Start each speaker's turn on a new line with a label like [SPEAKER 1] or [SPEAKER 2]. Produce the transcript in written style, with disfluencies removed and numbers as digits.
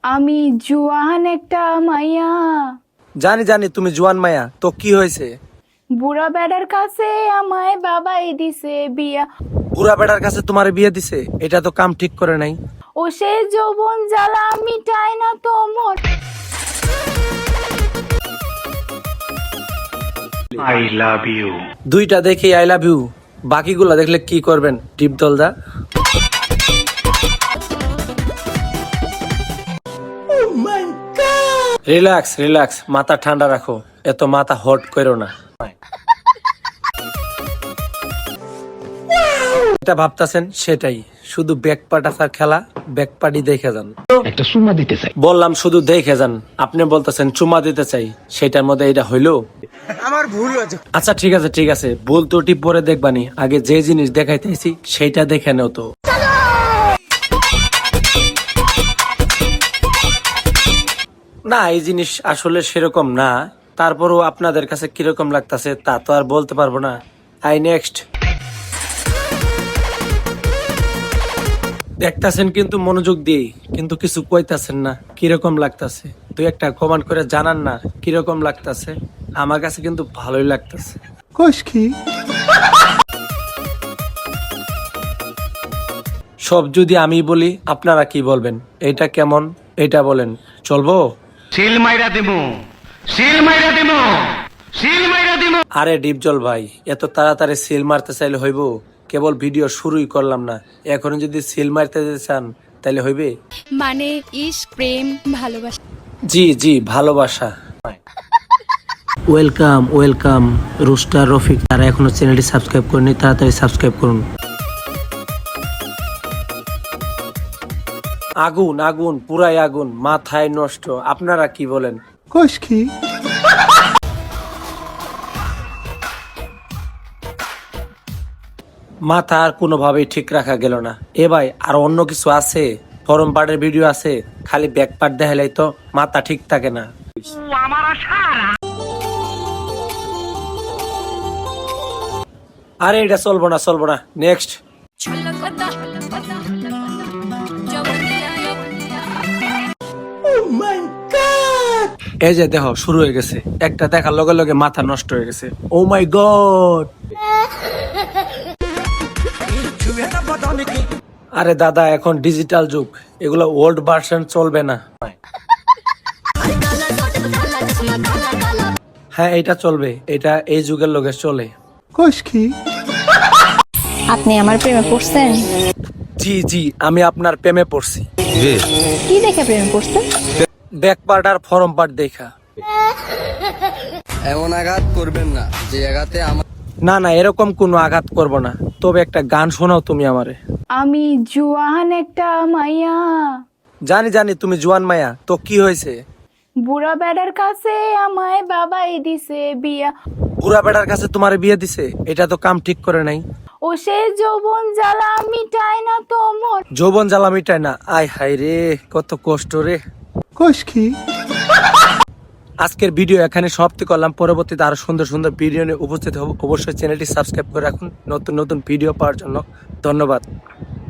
[SPEAKER 1] আমি জুয়ান একটা মাইয়া।
[SPEAKER 2] জানি জানি তুমি জোয়ান মায়া, তো কি হয়েছে?
[SPEAKER 1] বুড়া বেড়ার কাছে আমায় বাবাই দিছে বিয়া।
[SPEAKER 2] বুড়া বেটার কাছে তোমার বিয়ে দিছে, এটা তো কাম ঠিক করে নাই।
[SPEAKER 1] ও সে যৌবন জ্বালা মিটায় না তোমর।
[SPEAKER 3] I love you.
[SPEAKER 2] দুইটা দেখি আই লাভ ইউ, বাকিগুলা দেখলে কি করবেন টিপ দলদা? রিল্যাক্স রিল্যাক্স, মাথা ঠান্ডা রাখো, এত মাথা হট করো না। এটা ভাবতাছেন সেটাই, শুধু ব্যাকপাট আসার খেলা, ব্যাকপাটি দেখে যান।
[SPEAKER 3] একটা সুমা দিতে চাই।
[SPEAKER 2] বললাম শুধু দেখে যান, আপনি বলতেছেন চুমা দিতে চাই, সেটার মধ্যে এটা হইলো?
[SPEAKER 4] আমার ভুল হয়েছে।
[SPEAKER 2] আচ্ছা ঠিক আছে ঠিক আছে, ভুল ত্রুটি পরে দেখবানি, আগে যে জিনিস দেখাইতেছি সেইটা দেখে নেও তো। না, এই জিনিস আসলে সেরকম না, তারপরও আপনাদের কাছে কিরকম লাগতাছে তা তো আর বলতে পারবো না। I next. দেখতাছেন কিন্তু মনোযোগ দিয়ে, কিন্তু কিছু কইতাছেন না কিরকম লাগতাছে। দুই একটা কমেন্ট করে জানান না কিরকম লাগতাছে। আমার কাছে কিন্তু ভালোই লাগতাছে। সব যদি আমি বলি আপনারা কি বলবেন? এটা কেমন, এটা বলেন, চলবো?
[SPEAKER 3] সিল মাইরা দিমু, সিল মাইরা দিমু, সিল মাইরা দিমু।
[SPEAKER 2] আরে ডিপজল ভাই, এত তাড়াতাড়ি সিল মারতে চাইলে হইব? কেবল ভিডিও শুরুই করলাম না, এখন যদি সিল মারতে যেতে চান তাইলে হইবে?
[SPEAKER 5] মানে ইশক, প্রেম, ভালোবাসা।
[SPEAKER 2] জি জি, ভালোবাসা। ওয়েলকাম ওয়েলকাম রুস্টার রফিক, তারা এখনো চ্যানেলটি সাবস্ক্রাইব করেনি, তাড়াতাড়ি সাবস্ক্রাইব করুন। আগুন আগুন, পুরাই আগুন, মাথায় নষ্ট। আপনারা কি বলেন? মাথা আর কোনোভাবেই ঠিক রাখা গেল না। এ ভাই, আর অন্য কিছু আছে? ফরম পার্টের ভিডিও আছে, খালি ব্যাক পার্ট দেখাইলেই তো মাথা ঠিক থাকে না। আরে এটা চলবো না চলবো না, নেক্সট। এই যে দেখো শুরু হয়ে গেছে, একটা দেখার লগে লগে মাথা নষ্ট হয়ে গেছে। Oh my God! আরে দাদা, এখন ডিজিটাল যুগ, এগুলো ওল্ড ভার্সন চলবে না। হ্যাঁ এটা চলবে, এটা এই যুগের লোকে চলে।
[SPEAKER 5] আপনি আমার প্রেমে পড়ছেন?
[SPEAKER 2] জি জি, আমি আপনার প্রেমে পড়ছি।
[SPEAKER 5] কি দেখে প্রেমে পড়ছেন?
[SPEAKER 2] ব্যাক পার্ট আর ফরম পার্ট দেখা।
[SPEAKER 4] এমন আঘাত করবেন না যে আঘাতে আমার।
[SPEAKER 2] না না, এরকম কোনো আঘাত করব না, তবে একটা গান শোনাও তুমি আমারে।
[SPEAKER 1] আমি জুয়ান একটা মাইয়া।
[SPEAKER 2] জানি জানি তুমি জোয়ান মায়া, তো কি হয়েছে?
[SPEAKER 1] বুড়া বেড়ার কাছে আমায় বাবাই দিছে বিয়া।
[SPEAKER 2] বুড়া বেটার কাছে তোমার বিয়ে দিছে, এটা তো কাম ঠিক করে নাই।
[SPEAKER 1] ও সে যৌবন জ্বালা মিটায় না তোমর।
[SPEAKER 2] যৌবন জ্বালা মিটায় না, আয় হায় রে, কত কষ্ট রে। আজকের ভিডিও এখানে সমাপ্তি করলাম, পরবর্তীতে আরো সুন্দর সুন্দর ভিডিও নিয়ে উপস্থিত হব। অবশ্যই চ্যানেলটি সাবস্ক্রাইব করে রাখুন নতুন নতুন ভিডিও পাওয়ার জন্য। ধন্যবাদ।